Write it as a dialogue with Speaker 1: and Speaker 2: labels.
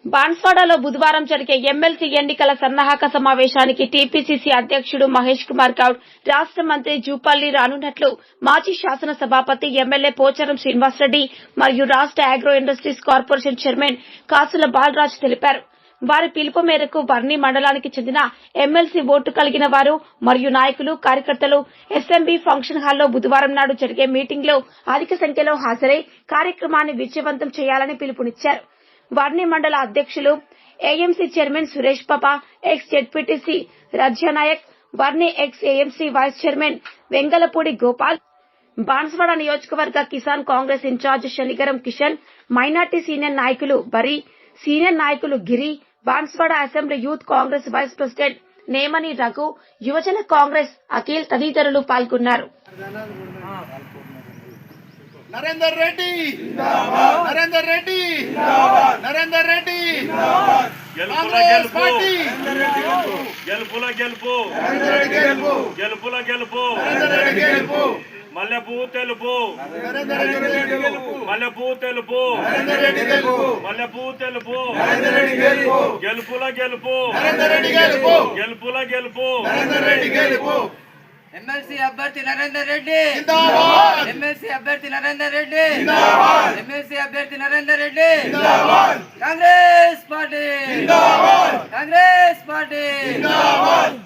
Speaker 1: బాన్స్వాడలో బుధవారం జరిగే ఎమ్మెల్సీ ఎన్నికల సన్నాహక సమావేశానికి టీపీసీసీ అధ్యక్షుడు మహేష్ కుమార్ గౌడ్, రాష్ట మంత్రి జూపల్లి రానున్నట్లు మాజీ శాసన సభాపతి ఎమ్మెల్యే పోచారం శ్రీనివాసరెడ్డి మరియు రాష్ట అగ్రో ఇండస్ట్రీస్ కార్పొరేషన్ చైర్మన్ కాసుల బాలరాజ్ తెలిపారు. వారి పిలుపు మేరకు వర్ణి మండలానికి చెందిన ఎమ్మెల్సీ ఓటు కలిగిన వారు మరియు నాయకులు, కార్యకర్తలు ఎస్ఎంబీ ఫంక్షన్ హాల్లో బుధవారం నాడు జరిగే మీటింగ్ లో అధిక సంఖ్యలో హాజరై కార్యక్రమాన్ని విజయవంతం చేయాలని పిలుపునిచ్చారు. వర్ణి మండల అధ్యక్షులు AMC chairman Suresh Papa, ex ZPTC Rajyanayak, Varni ex AMC vice chairman Vengalapudi Gopal, Banswada నియోజకవర్గ Kisan Congress in charge Shanigaram Kishan, minority senior నాయకులు బరి, సీనియర్ నాయకులు Giri, Banswada assembly youth Congress vice president Nemani Raghu, యువజన కాంగ్రెస్ అఖిల్ తదితరులు పాల్గొన్నారు.
Speaker 2: నరేందర్ రెడ్డి నరేందర్ రెడ్డి నరేందర్ రెడ్డి
Speaker 3: గెలుపుల గెలుపు గెలుపుల గెలుపు మల్లెపూ తెలుపు మల్లెపూ తెలుపు మల్లెపూ తెలుపు గెలుపుల గెలుపు గెలుపుల గెలుపు
Speaker 4: ఎమ్మెల్సీ అభ్యర్థి నరేందర్ రెడ్డి, ఎమ్మెల్సీ అభ్యర్థి నరేందర్ రెడ్డి, ఎమ్మెల్సీ అభ్యర్థి Narender Reddy, Congress party, Congress party.